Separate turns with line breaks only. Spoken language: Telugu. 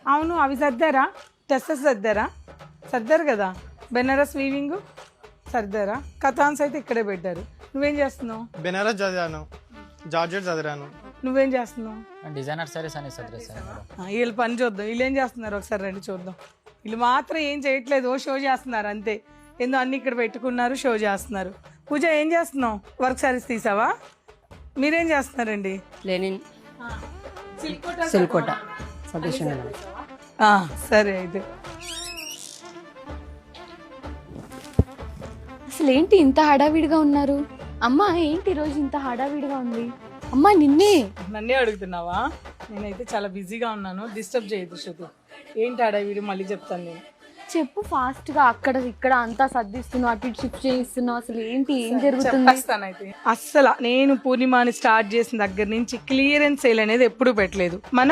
అవును, అవి సర్దారా? టెస్సెస్ సర్దారా? సర్దారు కదా. బెనారస్ వీవింగ్ సర్దారా? కథాన్స్ అయితే ఇక్కడే పెట్టారు. నువ్వేం చేస్తున్నావు?
బెనారస్ చదివాను, జార్జెట్ చదివాను.
నువ్వేం చేస్తున్నావు?
డిజైనర్ సారీస్ అని సర్దేశాను మేడం.
వీళ్ళ పని చూద్దాం. వీళ్ళు ఏం చేస్తున్నారు ఒకసారి రండి చూద్దాం. వీళ్ళు మాత్రం ఏం చేయట్లేదు, ఓ షో చేస్తున్నారు అంతే. ఏందో అన్ని ఇక్కడ పెట్టుకున్నారు, షో చేస్తున్నారు. పూజ ఏం చేస్తున్నావు? వర్క్ సారీస్ తీసావా? మీరేం చేస్తున్నారండి?
లెనిన్ సిల్కోట సతీష్ మేడం.
సరే అయితే.
అసలు ఏంటి ఇంత హడావిడిగా ఉన్నారు? అమ్మా ఏంటి ఈరోజు ఇంత హడావిడిగా ఉంది? అమ్మా నిన్నే
నన్నే అడుగుతున్నావా? నేనైతే చాలా బిజీగా ఉన్నాను, డిస్టర్బ్ చేయొద్దు శృతి. ఏంటి అడవిడి మళ్ళీ చెప్తాను నేను.
చెప్పు ఫాస్ట్ గా. అక్కడ ఇక్కడ అంతా సర్దిస్తున్నావు, అటు ఇటు షిఫ్ట్ చేయిస్తున్నావు. అసలు ఏంటి, ఏం జరుగుతుంది?
చెప్పేస్తానైతే. అస్సలు నేను పూర్ణిమాని స్టార్ట్ చేసిన దగ్గర నుంచి క్లియరెన్స్ సేల్ అనేది ఎప్పుడూ పెట్టలేదు. మనం